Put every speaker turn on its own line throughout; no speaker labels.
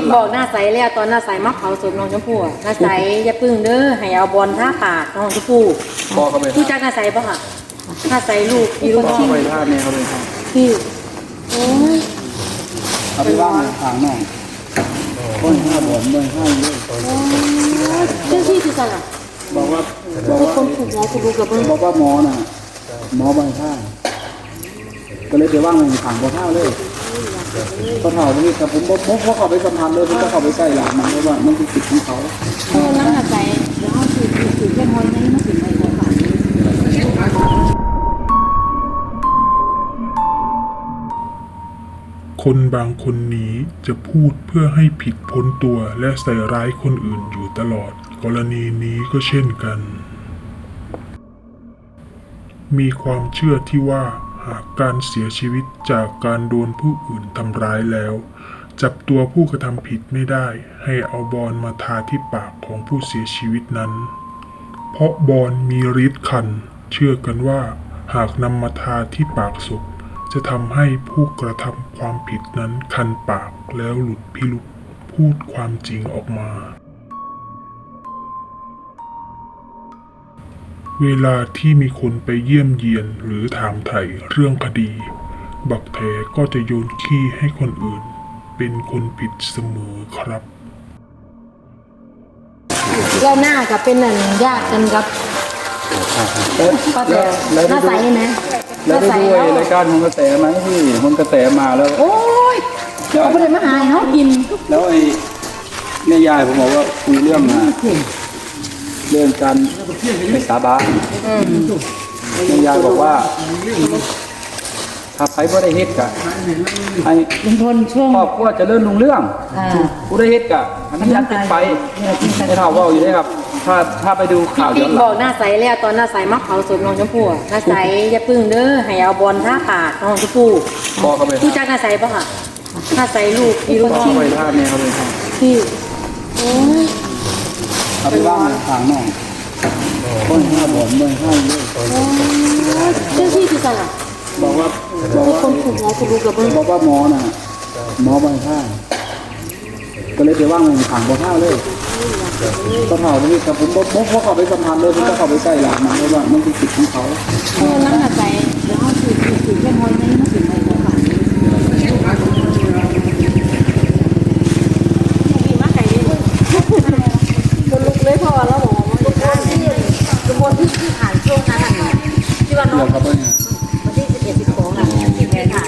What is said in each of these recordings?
บอกหน้าใสแล้วตอนหน้าใสมักเผาศพน้องชมพู่หน้าใสอย่าพึ่งเด้อให้เอาบอลท่าปากน้องชมพู่
บอกเขาไป
รู้จักหน้าใสปะค่ะหน้าใสลูกพี่ลูก
บอก
ชิ้น
ไปท่าเนี่ยเขาไปท่า
พี่โอ้ย
เอาไปว่างทางน้องคนห้าบ่อนไม่ให้เลย
เจ้าที่คือกันอ่ะ
บอกว่า
คนถูกหมอคุณดูกับมึง
บอกว่าหมอน่ะหมอใบท่าก็เลยไปว่างในถังบ่อเท่าเลยก็เท่านี้แต่ผมเพราะเขาไปสัมพันธ์เลยผมก็เขาไปใส่หลังมันเพราะว่ามันเป็นสิทธิ์ของเขา
น้ำหนักใจเดี๋ยวเขาถือแค่มอยนี้มาถึงไปของฝาก
คนบางคนนี้จะพูดเพื่อให้ผิดพ้นตัวและใส่ร้ายคนอื่นอยู่ตลอดกรณีนี้ก็เช่นกัน มีความเชื่อที่ว่าหากการเสียชีวิตจากการโดนผู้อื่นทำร้ายแล้วจับตัวผู้กระทำผิดไม่ได้ให้เอาบอลมาทาที่ปากของผู้เสียชีวิตนั้นเพราะบอลมีฤทธิ์คันเชื่อกันว่าหากนำมาทาที่ปากศพจะทำให้ผู้กระทำความผิดนั้นคันปากแล้วหลุดพิรุธพูดความจริงออกมาเวลาที่มีคนไปเยี่ยมเยียนหรือถามไถ่เรื่องคดีบักแท้ก็จะโยนขี้ให้คนอื่นเป็นคนผิดเสมอครับ
แล้วหน้ากับเป็นนั่นญาติกันกับป้าแต่หน้าใสไหม
แล้วได้ด้วยรายการของกระแสไหมที่ของกระแสมาแล้ว
โอ้ยเอาไปเลยมาหายเขากิน
แล้วไอ้แม่ยายผมบอกว่าคุยเรื่องการไปสาบานแม่ยายบอกว่าถ้าใครบ่ได้เฮ็ดกะไอ้
ลุงพลช่วง
ครอบครัวจะเริ่มลุงเรื่องผู้ได้เฮ็ดกะอันนั้นยันเป็นไปให้เท่าว่าอยู่ได้ครับถ้าไปดูข่าวย้อนหลัง
บอกหน้าใสแล้วตอนหน้าใสมักเผาศพน้องชมพู่หน้าใสอย่าพึ่งเด้อให้เอาบอลท่าปากน้องชมพู่
บอกเขาไป
รู้จักหน้าใสปะค่ะหน้าใสลูกพี่ลูกชิ้น
ไปท่าเนี่ยเขาไปท่า
พี่โอ้ย
เอาไปว่างทางน้องคนห้าบ่อนไม่ให้เลย
เจ้าที่คือกันอ่ะ
บอกว่า
คนถูกหมอคุณดูกับมึง
บอกว่าหมอน่ะหมอใบท่าก็เลยไปว่างในถังบ่อเท่าเลยก็เท่านี้แต่ผมเพราะเขาไปสัมพันธ์เลยผมก็เขาไปใส่หลังมันเพราะว่ามันเป็นสิทธิ์ของเขา
น้ำหนักใจเดี๋ยวเขาถือแค่มอยนี้มาถึงไปของฝากมาไก่ดิคนลุกเลยพอแล้วหมอมันก็ที่กระบวนที่ผ่านช่วงนั้นที่ว่าน้องวันที่11 12อ่ะที่แม่ค่ะ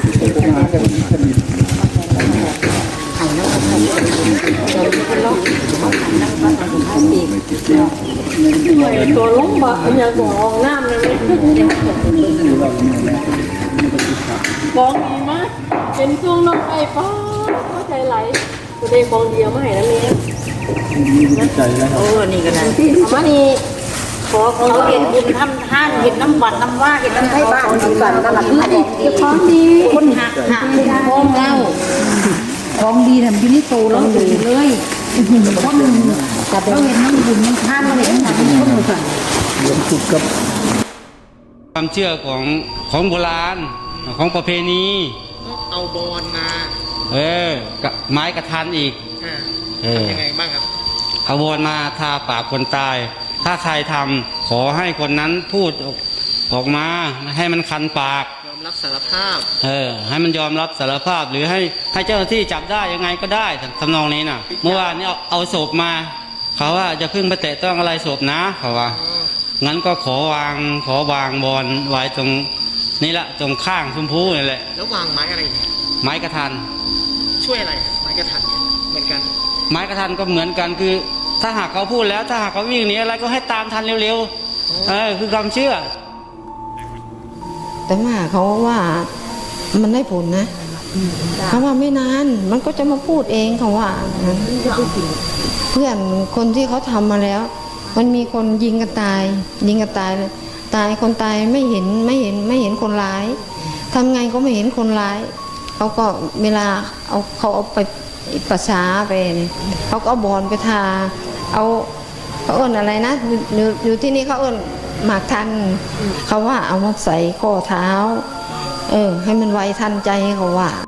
ไข่น้องไข่เราเป็นล็อกของไข่น้องบ้านของข้าวปีกตัวล้มบ่อย่างตัวห้องน้ำเลยบองดีมากเป็นช่วงน้องไอ้ป้าเข้าใจไหลตัวเด็กบองเดียวมาให้แล้วเนี่ย
ใจแล้วครับ
โอ้นี่ก็ได้มานี่ขอเขาเห็นบุญทำท่านเห็นน้ำหวานน้ำว่าเห็นน้ำไทยบ้านของกันตลาดนี้ของดีคนหักของเล่าของดีทำยูนิโตแล้วดีเลยคนแต่เราเห็นน้ำบุญน้ำท่านเราเห็นน้ำคนเหมือนกัน
ความเชื่อของโบราณของประเพณี
เอาบอลมา
กับไม้กระทันอีก
ยังไงบ้างครับ
เอาบอลมาทาปากคนตายถ้าใครทำขอให้คนนั้นพูดออกมาให้มันคันปาก
ยอมรับสารภาพ
ให้มันยอมรับสารภาพหรือให้เจ้าหน้าที่จับได้ยังไงก็ได้ทำนองนี้น่ะเมื่อวานนี้เอาศพมาเขาว่าจะพึ่งไปแตะต้องอะไรศพนะเขาว่างั้นก็ขอวางบอลไว้ตรงนี่ละตรงข้างชมพูนี่แหละ
แล้ววางไม้อะไรเนี่ย
ไม้กระทัน
ช่วยอะไรไม้กระทันเนี่ยเหมือนกัน
ไม้กระทันก็เหมือนกันคือถ้าหากเขาพูดแล้วถ้าหากเขาวิ่งหนีอะไรก็ให้ตามทันเร็วๆคือความเชื่อ
แต่ว่าเขาว่ามันได้ผลนะเขาว่าไม่นานมันก็จะมาพูดเองเขาว่าเพื่อนคนที่เขาทำมาแล้วมันมีคนยิงกันตายเลยตายคนตายไม่เห็นคนร้ายทำไงก็ไม่เห็นคนร้ายเขาก็เวลาเขาเอาไปประชาไปเขาก็เอาบอลไปทาเขาเอิ้นอะไรนะอยู่ที่นี่เขาเอิ้นหมากทันเขาว่าเอามาใส่ข้อเท้าให้มันไวทันใจเขาว่า